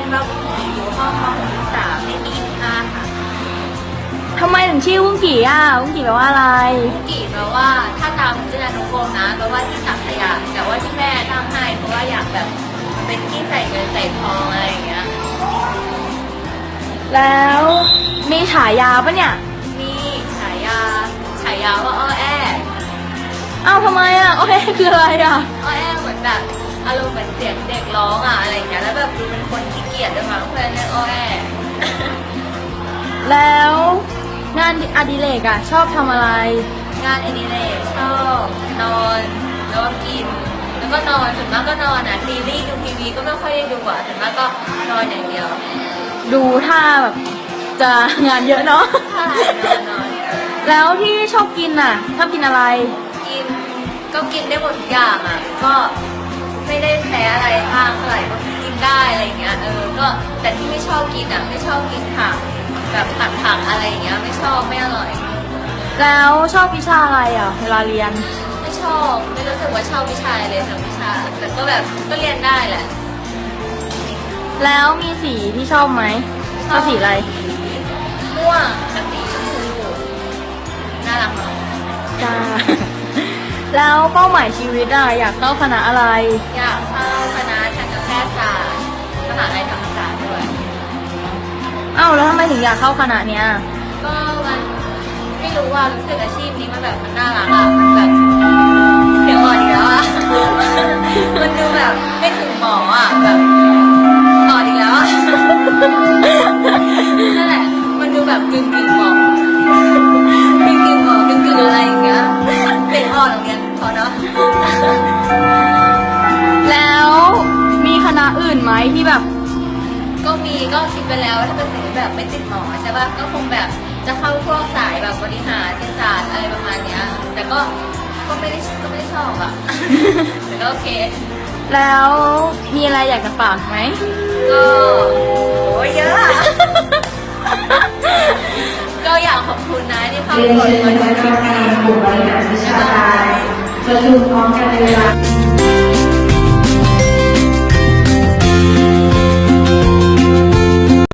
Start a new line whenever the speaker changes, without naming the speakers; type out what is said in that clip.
ว่าบุ้งกี่อยู่ห้องม.3ในปี5ค่ะ
ทำไมถึงชื่อวุ้งกี่อ่ะวุ้งกี่แปลว่าอะไร
บุ้งกี่แปลว่าถ้าตามชื่ออนุกรมนะแปลว่าที่ตักขยะแต่ว่าที่แม่ตั้งให้เพราะว่าอยากแบบเป็นที่ใส่เงินใส่ทองอะไรอย่างเงี้ย
แล้วมีฉายาปะเนี่ย
มีฉายาว่าอ้อแอ
อ้าวทำไมอ่ะโอเคคืออะไรอ่ะ
อ้อแอเหมือนแบบอารมณ์เหมือนเสียงเด็กร้องอ่ะอะไรอย่างเงี้ยแล้วแบบดูเป็นคนขี้เกียจด้วยมั้งเพื่อนเรียกอ้อแอ
แล้วงานอดิเรกอ่ะชอบทำอะไร
งานอดิเรกชอบนอนแล้วก็กินแล้วก็นอนส่วนมากก็นอนอ่ะซีรีส์ดูทีวีก็ไม่ค่อยได้ดูอ่ะส่วนมากก็นอนอย่างเดียว
ดูท่าแบบจะงานเยอะเนาะ
ใช่นอน
แล้วที่ชอบกินอ่ะชอบกินอะไร
กินก็กินได้หมดทุกอย่างอ่ะก็ไม่ได้แพ้อะไรบ้างเท่าไหร่ก็กินได้อะไรเงี้ยก็แต่ที่ไม่ชอบกินอ่ะไม่ชอบกินผักแบบผักอะไรอย่างเงี้ยไม่ชอบไม่อร่อย
แล้วชอบวิชาอะไรอ่ะเวลาเรียน
ไม่ชอบไม่รู้สึกว่าชอบวิชาเลยทั้งวิชาแต่ก็แบบก็เรียนได้แหละ
แล้วมีสีที่ชอบไหมชอบสีอะไร
ม่วงกับสีชมพูน่ารักมาก
จ้าแล้วเป้าหมายชีวิตอ่ะอยากเข้าคณะอะไร
อยากเข้าคณะทันตแพทยศาสตร์มหาลัยธรรมศาสตร์ด้วย
อ้าวแล้วทำไมถึงอยากเข้าคณะเนี้ย
ก็มันไม่รู้ว่ารู้สึกอาชีพนี้มันแบบมันน่ารักอ่ะมันแบบเดี๋ยวอ่อนอีกแล้วอ่ะมันดูแบบไม่ถึงหมออ่ะแบบอ่อนอีกแล้วอ่ะนั่นแหละมันดูแบบกึ่งหมอกึ่งอะไรอย่างเงี้ยเป็นอ่อนอย่างเงี้ยพอเนาะ
แล้วมีคณะอื่นไหมที่แบบ
ก็มีก็คิดไปแล้วถ้าเป็นสิ่งแบบไม่ติดหมอใช่ป่ะก็คงแบบจะเข้าพวกสายแบบบริหารเศรษฐศาสตร์อะไรประมาณเนี้ยแต่ก็ไม่ได้ชอบอ่ะแต่ก็โอเค
แล้วมีอะไรอยากจะฝากไหม
ก็โอ้ยเยอะ ก็อยากขอบคุณนะที่เข้ามาดูคลิปนี้
กลุ่มบริหารวิชาการประชุมพร้อมกันในเวลา